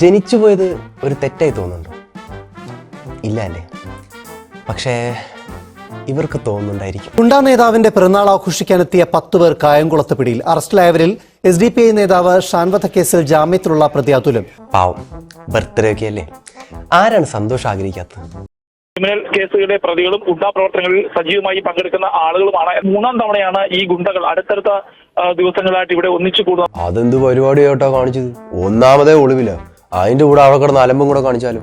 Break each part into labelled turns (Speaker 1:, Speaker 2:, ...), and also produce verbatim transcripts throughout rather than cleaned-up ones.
Speaker 1: ജനിച്ചു പോയത് ഒരു തെറ്റായി തോന്നുന്നുണ്ടോ? ഇല്ല അല്ലേ? പക്ഷേ ഇവർക്ക് തോന്നുന്നുണ്ടായിരിക്കും. ഗുണ്ടാ നേതാവിന്റെ പിറന്നാൾ ആഘോഷിക്കാനെത്തിയ പത്ത് പേർ കായംകുളത്ത് പിടിയിൽ. അറസ്റ്റിലായവരിൽ എസ് ഡി പി ഐ നേതാവ് ഷാൻവധ കേസിൽ ജാമ്യത്തിലുള്ള പ്രതി അതുലും. പാവം, ബർത്ത്ഡേ ഒക്കെ അല്ലേ, ആരാണ് സന്തോഷം ആഗ്രഹിക്കാത്തത്?
Speaker 2: ക്രിമിനൽ കേസുകളുടെ പ്രതികളും ഗുണ്ടാ പ്രവർത്തനങ്ങളിൽ സജീവമായി പങ്കെടുക്കുന്ന ആളുകളുമാണ്. മൂന്നാം തവണയാണ് ഈ ഗുണ്ടകൾ അടുത്തടുത്ത ദിവസങ്ങളായിട്ട് ഇവിടെ ഒന്നിച്ചു കൂടുന്നത്.
Speaker 1: അതെന്ത് പരിപാടിയായിട്ടോ കാണിച്ചത്? ഒന്നാമതേ ഒളിവില്ല, അതിന്റെ കൂടെ അവിടെ കിടന്ന് അലമ്പും കൂടെ കാണിച്ചാലോ?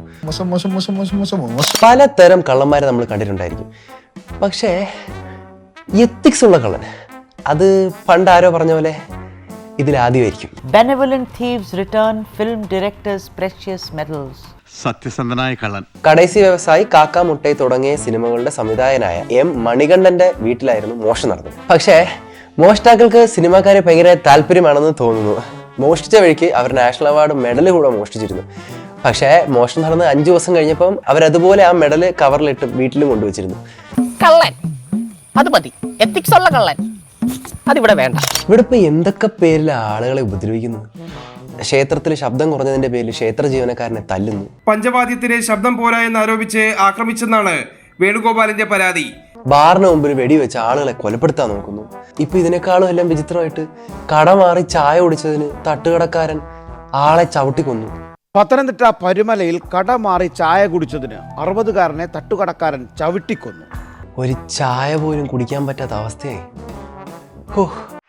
Speaker 1: പലതരം കള്ളന്മാരെ നമ്മൾ കണ്ടിട്ടുണ്ടായിരിക്കും. പക്ഷേ എത്തിക്സ് ഉള്ള കള്ളൻ, അത് പണ്ട് ആരോ പറഞ്ഞ പോലെ ഇതിലാദ്യമായിരിക്കും.
Speaker 3: Benevolent thieves return film directors' precious medals.
Speaker 4: സത്യസന്ധനായ കള്ളൻ.
Speaker 1: കടൈസി വ്യവസായി, കാക്ക മുട്ടൈ തുടങ്ങിയ സിനിമകളുടെ സംവിധായകനായ എം മണികണ്ഠന്റെ വീട്ടിലായിരുന്നു മോഷണം നടന്നത്. പക്ഷേ മോഷ്ടാക്കൾക്ക് സിനിമാക്കാരെ ഭയങ്കര താല്പര്യമാണെന്ന് തോന്നുന്നു. മോഷ്ടിച്ച വഴിക്ക് അവർ നാഷണൽ അവാർഡ് മെഡൽ കൂടെ മോഷ്ടിച്ചിരുന്നു. പക്ഷേ മോഷണം നടന്ന് അഞ്ചു ദിവസം കഴിഞ്ഞപ്പം അവരതുപോലെ ആ മെഡൽ കവറിലിട്ട് വീട്ടിലും കൊണ്ടുവച്ചിരുന്നു.
Speaker 5: കള്ളൻ അത് മതി, എത്തിക്സ് ഉള്ള കള്ളൻ അതിവിടെ വേണ്ട.
Speaker 1: ഇവിടെ ഇപ്പൊ എന്തൊക്കെ പേരിൽ ആളുകളെ ഉപദ്രവിക്കുന്നു. ക്ഷേത്രത്തിൽ ശബ്ദം കുറഞ്ഞതിന്റെ പേരിൽ ക്ഷേത്ര ജീവനക്കാരനെ തല്ലുന്നു.
Speaker 6: പഞ്ചവാദ്യത്തിന് ശബ്ദം പോരാ എന്ന് ആരോപിച്ച് ആക്രമിച്ചെന്നാണ് വേണുഗോപാലിന്റെ പരാതി.
Speaker 1: ബാറിന് മുമ്പിൽ വെടിവെച്ച് ആളുകളെ കൊലപ്പെടുത്താൻ നോക്കുന്നു. ഇപ്പൊ ഇതിനേക്കാളും എല്ലാം വിചിത്രമായിട്ട് കട മാറി ചായ കുടിച്ചതിന് തട്ടുകടക്കാരൻ ആളെ ചവിട്ടിക്കൊന്നു.
Speaker 7: പത്തനംതിട്ട പരുമലയിൽ കട മാറി ചായ കുടിച്ചതിന് അറുപതുകാരനെ തട്ടുകടക്കാരൻ ചവിട്ടിക്കൊന്നു.
Speaker 1: ഒരു ചായ പോലും കുടിക്കാൻ പറ്റാത്ത അവസ്ഥയായി. ഹോ